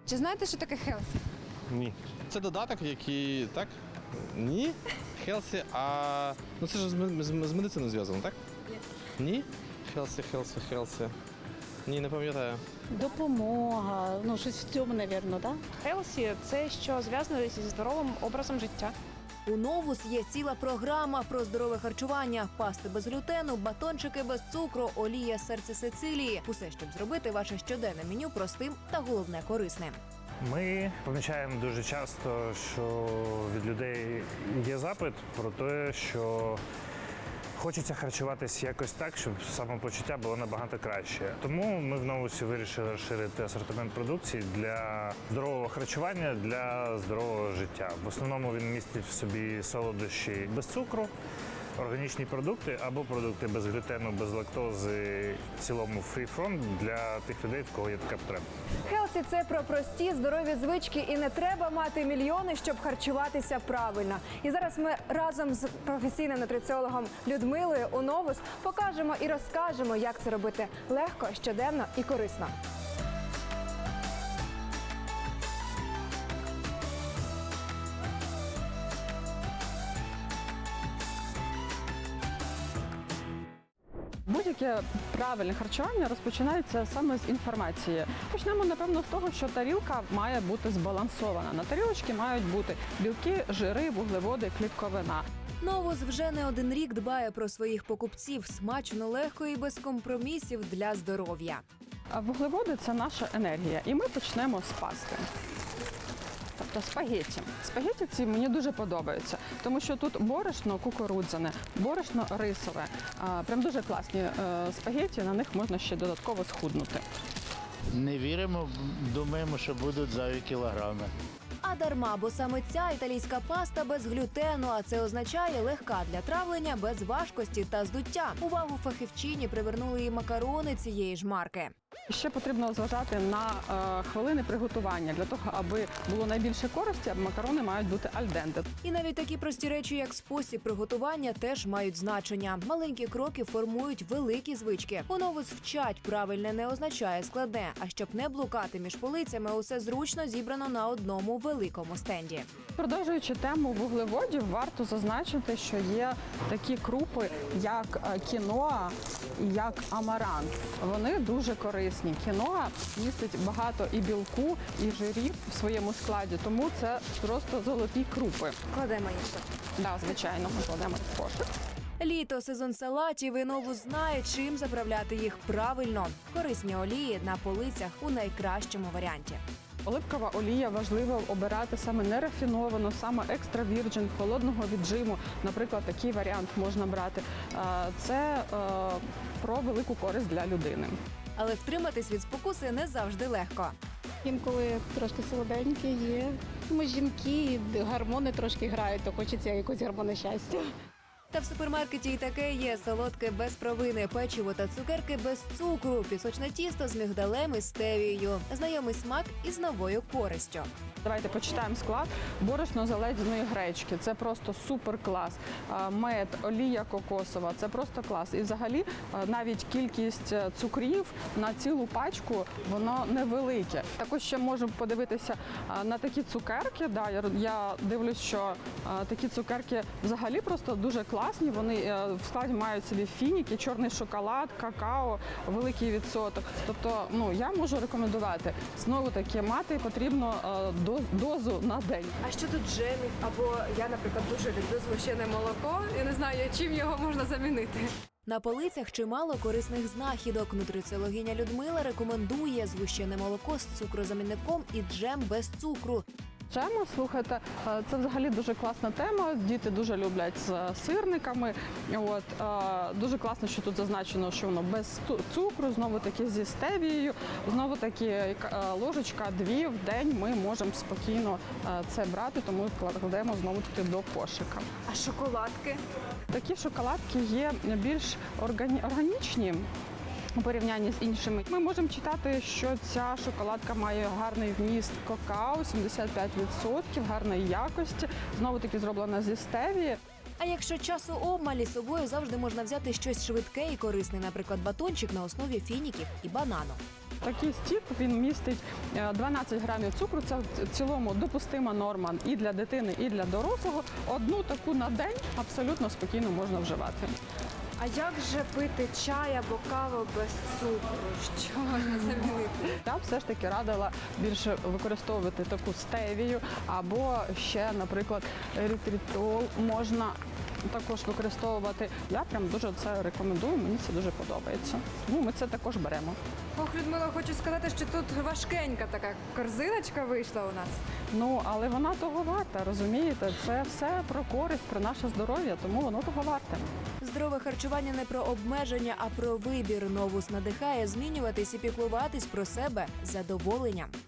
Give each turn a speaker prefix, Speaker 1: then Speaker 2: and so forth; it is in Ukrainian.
Speaker 1: Чи знаєте, що таке хелсі?
Speaker 2: Ні. Це додаток, який, так? Ні? Хелсі, ну це ж з медициною зв'язано, так? Ні. Хелсі. Ні, не пам'ятаю.
Speaker 3: Допомога, ну щось в цьому, мабуть, так?
Speaker 4: Хелсі – це що зв'язано зі здоровим образом життя.
Speaker 5: У Новус є ціла програма про здорове харчування, пасти без глютену, батончики без цукру, олія з серця Сицилії. Усе, щоб зробити ваше щоденне меню простим та, головне, корисним.
Speaker 6: Ми помічаємо дуже часто, що від людей є запит про те, що хочеться харчуватись якось так, щоб самопочуття було набагато краще. Тому ми в Новусі вирішили розширити асортимент продукції для здорового харчування, для здорового життя. В основному він містить в собі солодощі без цукру, органічні продукти або продукти без глютену, без лактози, в цілому фрі-фронт для тих людей, в кого є така потреба.
Speaker 1: Хелсі – це про прості, здорові звички, і не треба мати мільйони, щоб харчуватися правильно. І зараз ми разом з професійним нутриціологом Людмилою у Новус покажемо і розкажемо, як це робити легко, щоденно і корисно.
Speaker 7: Будь-яке правильне харчування розпочинається саме з інформації. Почнемо, напевно, з того, що тарілка має бути збалансована. На тарілочці мають бути білки, жири, вуглеводи, клітковина.
Speaker 5: Новус вже не один рік дбає про своїх покупців. Смачно, легко і без компромісів для здоров'я.
Speaker 7: А вуглеводи – це наша енергія. І ми почнемо з пасти. Тобто спагетті. Спагетті ці мені дуже подобаються, тому що тут борошно кукурудзяне, борошно рисове. Прям дуже класні спагетті, на них можна ще додатково схуднути.
Speaker 8: Не віримо, думаємо, що будуть зайві кілограми.
Speaker 5: А дарма, бо саме ця італійська паста без глютену, а це означає легка для травлення, без важкості та здуття. Увагу фахівчині привернули і макарони цієї ж марки.
Speaker 7: Ще потрібно зважати на хвилини приготування. Для того, аби було найбільше користі, макарони мають бути альденте.
Speaker 5: І навіть такі прості речі, як спосіб приготування, теж мають значення. Маленькі кроки формують великі звички. У Новус вчать, правильне не означає складне. А щоб не блукати між полицями, усе зручно зібрано на одному великому стенді.
Speaker 7: Продовжуючи тему вуглеводів, варто зазначити, що є такі крупи, як кіноа і як амарант. Вони дуже корисні. Кіноа містить багато і білку, і жирів в своєму складі, тому це просто золоті крупи.
Speaker 1: Кладемо їх тут.
Speaker 7: Да, звичайно, ми кладемо в кошик.
Speaker 5: Літо – сезон салатів, і Новус знає, чим заправляти їх правильно. Корисні олії на полицях у найкращому варіанті.
Speaker 7: Оливкова олія важливо обирати саме нерафіновану, саме екстра вірджин, холодного віджиму. Наприклад, такий варіант можна брати. Це про велику користь для людини.
Speaker 5: Але втриматись від спокуси не завжди легко.
Speaker 3: Інколи трошки солоденьке є. Ми жінки, гормони трошки грають, то хочеться якось гормони щастя.
Speaker 5: Та в супермаркеті і таке є: солодке без провини, печиво та цукерки без цукру, пісочне тісто з мигдалем і стевією. Знайомий смак із новою користю.
Speaker 7: Давайте почитаємо склад. Борошно з оледяної гречки – це просто супер клас. Мед, олія кокосова – це просто клас. І взагалі навіть кількість цукрів на цілу пачку, воно невелике. Також ще можемо подивитися на такі цукерки. Да, я дивлюсь, що такі цукерки взагалі просто дуже класні. Вони в складі мають собі фініки, чорний шоколад, какао, великий відсоток. Тобто, я можу рекомендувати. Знову таки, мати потрібно дозу на день.
Speaker 1: А що тут джемів? Або я, наприклад, дуже люблю згущене молоко. Я не знаю, чим його можна замінити.
Speaker 5: На полицях чимало корисних знахідок. Нутриціологиня Людмила рекомендує згущене молоко з цукрозамінником і джем без цукру.
Speaker 7: Джеми, слухайте, це взагалі дуже класна тема. Діти дуже люблять з сирниками. Дуже класно, що тут зазначено, що воно без цукру, знову таки зі стевією, знову таки ложечка-дві в день ми можемо спокійно це брати, тому кладемо знову таки до кошика.
Speaker 1: А шоколадки?
Speaker 7: Такі шоколадки є більш органічні у порівнянні з іншими. Ми можемо читати, що ця шоколадка має гарний вміст какао, 75%, гарної якості, знову-таки зроблена зі стевії.
Speaker 5: А якщо часу обмаль, із собою завжди можна взяти щось швидке і корисне, наприклад, батончик на основі фініків і банану.
Speaker 7: Такий стік, він містить 12 грамів цукру. Це в цілому допустима норма і для дитини, і для дорослого. Одну таку на день абсолютно спокійно можна вживати.
Speaker 1: А як же пити чай або каву без цукру? Що можна замінити?
Speaker 7: Я б все ж таки радила більше використовувати таку стевію або ще, наприклад, ерітритол можна також використовувати. Я прям дуже це рекомендую, мені це дуже подобається. Тому ми це також беремо.
Speaker 1: Ох, Людмила, хочу сказати, що тут важкенька така корзиночка вийшла у нас.
Speaker 7: Ну, але вона того варта, розумієте? Це все про користь, про наше здоров'я, тому воно того варте.
Speaker 5: Здорове харчування не про обмеження, а про вибір. Новус надихає змінюватись і піклуватись про себе з задоволенням.